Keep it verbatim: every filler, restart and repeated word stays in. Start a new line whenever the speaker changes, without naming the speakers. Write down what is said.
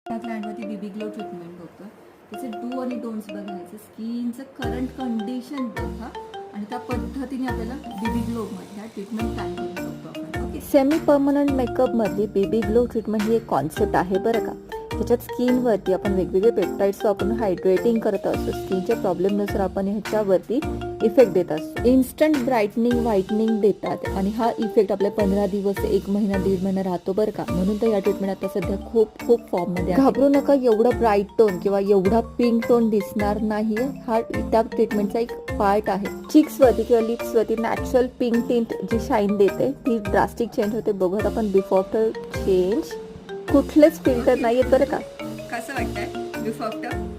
त्या क्लायंटवरती baby glow treatment होतं. त्याचे डू आणि डोंट्स बघायचे, स्किनचं करंट कंडिशन बघा आणि त्या पद्धतीने आपल्याला बेबी ग्लोमधल्या ट्रीटमेंट प्लॅन करू शकतो आपण. ओके.
सेमी परमनंट मेकअपमधली बेबी ग्लो ट्रीटमेंट ही एक कॉन्सेप्ट आहे बरं का. त्याच्यात स्किनवरती आपण वेगवेगळे पेप्टाईड्स वापरून हायड्रेटिंग करत असतो. स्किनच्या प्रॉब्लेमनुसार आपण ह्याच्यावरती इफेक्ट देत असतो. इन्स्टंट ब्राईटनिंग व्हाईटनिंग देतात आणि हा इफेक्ट आपल्या पंधरा दिवस एक महिना दीड महिना राहतो बरं का. म्हणून तर या ट्रीटमेंट आता सध्या खूप खूप फॉर्ममध्ये आहे. घाबरू नका, एवढा ब्राईट टोन किंवा एवढा पिंक टोन दिसणार नाही. हा त्या ट्रीटमेंटचा एक पार्ट आहे. चिक्सवरती किंवा लिप्सवरती नॅचरल पिंक टिंट जी शाईन देते ती ड्रास्टिक चेंज होते. बघत आपण बिफोर आफ्टर चेंज. कुठलेच फिल्टर नाहीये बरं का.
कसं वाटतंय बिफोर आफ्टर?